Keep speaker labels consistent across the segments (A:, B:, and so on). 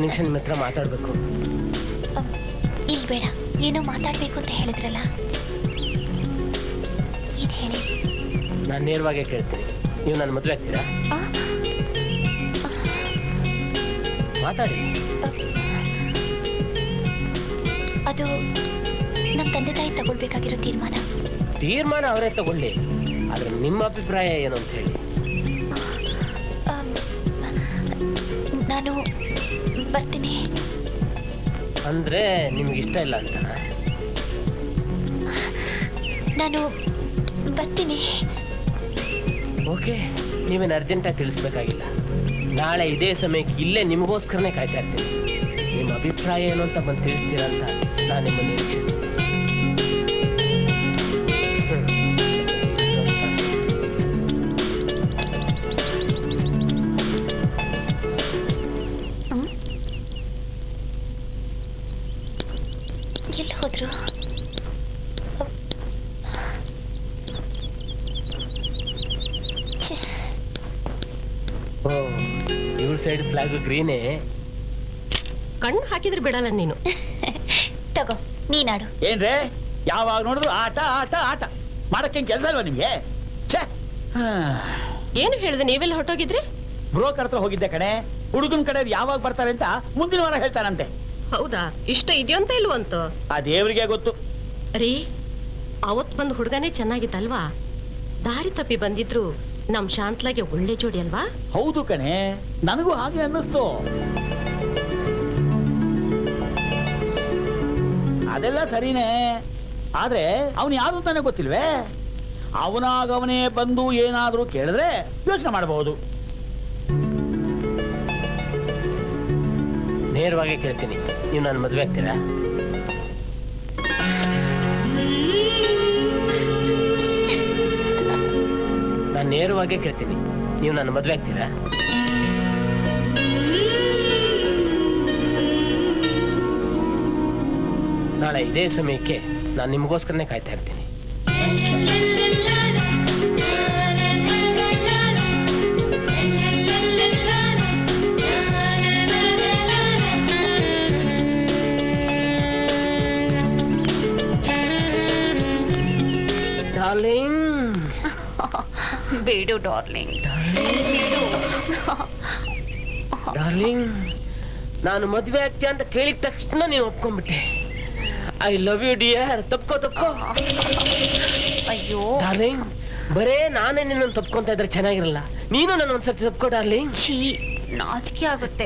A: ನಿಮಿಷ ನಿಮ್ಮ ಹತ್ರ ಮಾತಾಡ್ಬೇಕು.
B: ಇಲ್ಲಿ ಬೇಡ, ಏನೋ ಮಾತಾಡ್ಬೇಕು ಅಂತ ಹೇಳಿದ್ರಲ್ಲ, ಏನ್ ಹೇಳಿ?
A: ನಾನು ನೇರವಾಗೇ ಕೇಳ್ತೀನಿ, ನೀವು ನನ್ನ ಮದುವೆ ಆಗ್ತೀರಾ? ಮಾತಾಡಿ.
B: ಅದು ನಮ್ಮ ತಂದೆ ತಾಯಿ ತಗೊಳ್ಬೇಕಾಗಿರೋ ತೀರ್ಮಾನ
A: ಅವರೇ ತಗೊಳ್ಳಿ, ಆದ್ರೆ ನಿಮ್ಮ ಅಭಿಪ್ರಾಯ ಏನು ಅಂತ ಹೇಳಿ.
B: ನಾನು ಬರ್ತೀನಿ.
A: ಅಂದ್ರೆ ನಿಮ್ಗೆ ಇಷ್ಟ ಇಲ್ಲ ಅಂತ?
B: ನಾನು ಬರ್ತೀನಿ.
A: ಓಕೆ, ನೀವೇನು ಅರ್ಜೆಂಟಾಗಿ ತಿಳಿಸ್ಬೇಕಾಗಿಲ್ಲ. ನಾಳೆ ಇದೇ ಸಮಯಕ್ಕೆ ಇಲ್ಲೇ ನಿಮಗೋಸ್ಕರನೇ ಕಾಯ್ತಾ ಇರ್ತೀನಿ. ನಿಮ್ಮ ಅಭಿಪ್ರಾಯ ಏನು ಅಂತ ಬಂದು ತಿಳಿಸ್ತೀರಾ ಅಂತ ನಾನು ನಿಮ್ಮನ್ನು ನಿರೀಕ್ಷಿಸ್ತೀನಿ.
B: ಎಲ್ಲಿ ಹೋದ್ರು?
A: ಇವಳ ಸೈಡ್ ಫ್ಲಾಗ್ ಗ್ರೀನೇ.
C: ಕಣ್ಣು ಹಾಕಿದ್ರೆ ಬಿಡಲ್ಲ ನೀನು.
B: ತಗೋ, ನೀನಾಡು.
D: ಏನ್ರೇ ಯಾವಾಗ ನೋಡಿದ್ರು ಆಟ ಆಟ ಆಟ ಮಾಡಕ್ಕೆ ಕೆಲಸ ಇಲ್ವಾ ನಿಮ್ಗೆ?
C: ಏನು ಹೇಳಿದೆ? ನೀವೆಲ್ಲ ಹೊರಟೋಗಿದ್ರಿ?
D: ಬ್ರೋಕರ್ ಹತ್ರ ಹೋಗಿದ್ದೆ ಕಣೆ. ಹುಡುಗನ ಕಡೆ ಯಾವಾಗ ಬರ್ತಾರೆ ಅಂತ ಮುಂದಿನ ವಾರ ಹೇಳ್ತಾರಂತೆ.
C: ಹೌದಾ? ಇಷ್ಟ ಇದೆಯಂತ ಇಲ್ವಂತ
D: ಆ ದೇವರಿಗೆ ಗೊತ್ತು.
C: ರೀ, ಅವತ್ ಬಂದ್ ಹುಡುಗನೇ ಚೆನ್ನಾಗಿತ್ತಲ್ವಾ? ದಾರಿ ತಪ್ಪಿ ಬಂದಿದ್ರು ನಮ್ ಶಾಂತ್ಲಾಗೆ ಒಳ್ಳೆ ಜೋಡಿ ಅಲ್ವಾ?
D: ಹೌದು ಕಣೆ, ನನಗೂ ಹಾಗೆ ಅನ್ನಿಸ್ತು. ಅದೆಲ್ಲ ಸರಿನೇ, ಆದ್ರೆ ಅವನು ಯಾರು ಅಂತಾನೆ ಗೊತ್ತಿಲ್ವೇ? ಅವನಾಗವನೇ ಬಂದು ಏನಾದ್ರೂ ಕೇಳಿದ್ರೆ ಯೋಚನೆ ಮಾಡಬಹುದು.
A: ನೇರವಾಗಿ ಕೇಳ್ತೀನಿ, ನೀವು ನನ್ನ ಮದುವೆ ಆಗ್ತೀರಾ? ನಾನು ನೇರವಾಗಿ ಕೇಳ್ತೀನಿ, ನೀವು ನನ್ನ ಮದುವೆ ಆಗ್ತೀರಾ? ನಾಳೆ ಇದೇ ಸಮಯಕ್ಕೆ ನಾನು ನಿಮಗೋಸ್ಕರನೇ ಕಾಯ್ತಾ ಇರ್ತೀನಿ. ಡಾರ್ಲಿಂಗ್.
B: ಬೇಡು ಡಾರ್ಲಿಂಗ್.
A: ಡಾರ್ಲಿಂಗ್, ನಾನು ಮದುವೆ ಆಗ್ತೀಯ ಅಂತ ಕೇಳಿದ ತಕ್ಷಣ ನೀನು ಒಪ್ಕೊಂಡ್ಬಿಟ್ಟೆ. I love you dear. ತಪ್ಕೋ.
B: ಅಯ್ಯೋ
A: ಡಾರ್ಲಿಂಗ್, ಬರೇ ನಾನೇ ನಿನ್ನನ್ನು ತಪ್ಕೊಂತ ಇದ್ರೆ ಚೆನ್ನಾಗಿರಲ್ಲ. ನೀನು ನನ್ನ ಒಂದ್ಸರ್ತಿ ತಪ್ಕೋ ಡಾರ್ಲಿಂಗ್.
B: ಛೀ, ನಾಚಿಕೆ ಆಗುತ್ತೆ.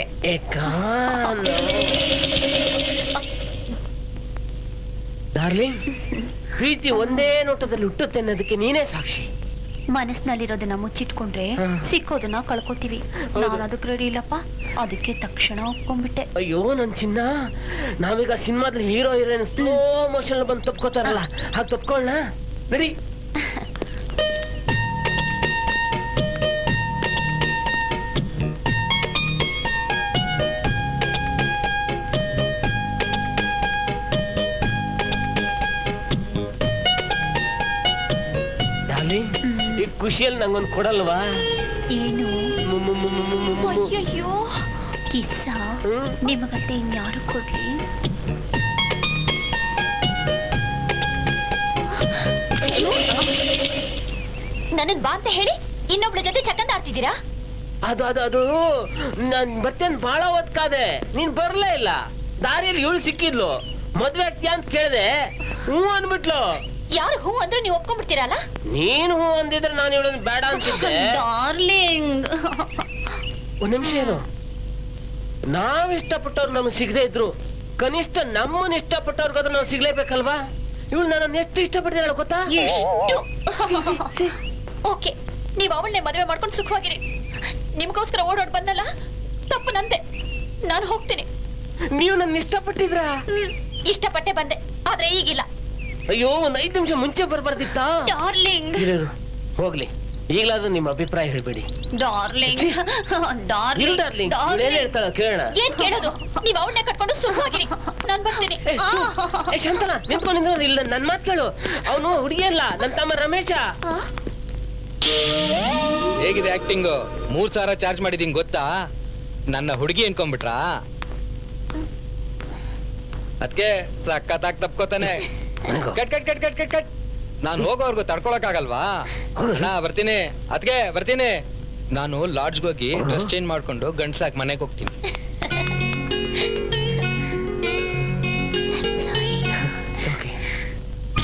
A: ಡಾರ್ಲಿಂಗ್, ಪ್ರೀತಿ ಒಂದೇ ನೋಟದಲ್ಲಿ ಹುಟ್ಟುತ್ತೆ ಅನ್ನೋದಕ್ಕೆ ನೀನೇ ಸಾಕ್ಷಿ.
B: ಮನಸ್ಸಿನಲ್ಲಿರೋದನ್ನ ಮುಚ್ಚಿಟ್ಕೊಂಡ್ರೆ ಸಿಕ್ಕೋದನ್ನ ಕಳ್ಕೊತೀವಿ. ನಾನು ಅದಕ್ಕೆ ರೆಡಿ ಇಲ್ಲಪ್ಪ, ಅದಕ್ಕೆ ತಕ್ಷಣ ಒಪ್ಕೊಂಡ್ಬಿಟ್ಟೆ.
A: ಅಯ್ಯೋ ನನ್ ಚಿನ್ನ, ನಾವೀಗ ಸಿನಿಮಾದಲ್ಲಿ ಹೀರೋ ಹೀರೋಯಿನ್ ಸ್ಲೋ ಮೋಷನ್ ಬಂದು ತಪ್ಕೋತಾರಲ್ಲ, ಹಾಗೆ ತಪ್ಕೊಳ್ಳ ನಡಿ. ಈ ಖುಷಿಯಲ್ಲಿ ನಂಗೊಂದು ಕೊಡಲ್ವಾ?
B: ಏನು? ಅಯ್ಯಯ್ಯೋ, ಕಿಸ್ಸ ನಿಮಗಲ್ದೆ ಇನ್ಯಾರು ಕೊಡ್ಲಿ? ನನ್ನನ್ ಬಾ ಅಂತ ಹೇಳಿ ಇನ್ನೊಬ್ಳ ಜೊತೆ ಚಕ್ಕಂದ ಆಡ್ತಿದ್ದೀರಾ?
A: ಅದು ನಾನ್ ಬರ್ತೇನೆ ಬಹಳ ಹೊತ್ಕಾದೆ, ನೀನ್ ಬರ್ಲೇ ಇಲ್ಲ. ದಾರಿಯಲ್ಲಿ ಇವಳು ಸಿಕ್ಕಿದ್ಲು, ಮದ್ವೆ ಆಗ್ತೀಯ ಅಂತ ಕೇಳಿದೆ, ಹ್ಞೂ ಅಂದ್ಬಿಟ್ಲು.
B: ಯಾರು ಹೂ ಅಂದ್ರೆ ನೀವು ಒಪ್ಕೊಂಡ್ಬಿಡ್ತೀರಲ್ಲ?
A: ನೀನು ಹೂ ಅಂದಿದ್ರೆ ನಾನು ಇವಳನ್ನು ಬೇಡ ಅನ್ಸಿದ್ದೆ.
B: ಡಾರ್ಲಿಂಗ್,
A: ಒಂದ್ ನಿಮಿಷ ಏನು, ನಾವ್ ಇಷ್ಟಪಟ್ಟವ್ರು ನಮ್ಗೆ ಸಿಗದೆ ಇದ್ರು ಕನಿಷ್ಠ ನಮ್ಮನ್ನ ಇಷ್ಟಪಟ್ಟವ್ರಿಗಾದ್ರೂ ನಾವು ಸಿಗ್ಲೇಬೇಕಲ್ವಾ? ಇವಳು ನನ್ನನ್ನು ಎಷ್ಟು ಇಷ್ಟಪಡ್ತೀರ ಗೊತ್ತಾ?
B: ಓಕೆ, ನೀವು ಅವಳನ್ನೇ ಮದುವೆ ಮಾಡ್ಕೊಂಡು ಸುಖವಾಗಿರಿ. ನಿಮ್ಗೋಸ್ಕರ ಓಡೋಡ್ ಬಂದಲ್ಲ, ತಪ್ಪು ನಂದೆ. ನಾನು ಹೋಗ್ತೀನಿ.
A: ನೀವು ನನ್ನ ಇಷ್ಟಪಟ್ಟಿದ್ರ?
B: ಇಷ್ಟಪಟ್ಟೆ ಬಂದೆ, ಆದ್ರೆ ಈಗಿಲ್ಲ.
A: ಅಯ್ಯೋ, ಒಂದ್ 5 ನಿಮಿಷ ಮುಂಚೆ ಬರ್ಬಾರ್ದಿತ್ತಾ?
B: ಡಾರ್ಲಿಂಗ್,
A: ಹೋಗ್ಲಿ, ಈಗಲಾದ್ರೂ ನಿಮ್ಮ ಅಭಿಪ್ರಾಯ ಹೇಳ್ಬೇಡಿ.
B: ಡಾರ್ಲಿಂಗ್,
A: ಡಾರ್ಲಿಂಗ್ ಹೇಳ್ತಾಳ ಕೇಳೋಣ.
B: ಏನ್ ಕೇಳೋದು? ನೀವು ಅವಳನ್ನೇ ಕಟ್ಕೊಂಡು ಸುಖವಾಗಿರಿ, ನಾನು ಬರ್ತೀನಿ.
A: ಶಾಂತನ ನಿಂತ್ಕೊಂಡು ಇಲ್ಲ, ನನ್ ಮಾತ್ ಕೇಳು. ಅವನು ಹುಡುಗಿ ಅಲ್ಲ, ನನ್ನ ತಮ್ಮ ರಮೇಶ.
E: ಹೇಗಿದೆ ಆಕ್ಟಿಂಗ್? 3,000 ಚಾರ್ಜ್ ಮಾಡಿದೀನಿ ಗೊತ್ತಾ? ನನ್ನ ಹುಡುಗಿ ಅನ್ಕೊಂಡ್ಬಿಟ್ರಾ? ಅದ್ಕೆ ಸಖತ್ತಾಗಿ ತಪ್ಕೋತಾನೆ. Cut cut cut cut cut cut. ನಾನು ಹೋಗೋವರ್ಗು ತಡ್ಕೊಳಕ್ ಆಗಲ್ವಾ? ನಾ ಬರ್ತೀನಿ, ಅದ್ಕೆ ಬರ್ತೀನಿ. ನಾನು ಲಾಡ್ಜ್ಗೆ ಹೋಗಿ ಡ್ರೆಸ್ ಚೇಂಜ್ ಮಾಡ್ಕೊಂಡು ಗಂಡ್ಸಾಕ್ ಮನೆಗೆ ಹೋಗ್ತೀನಿ.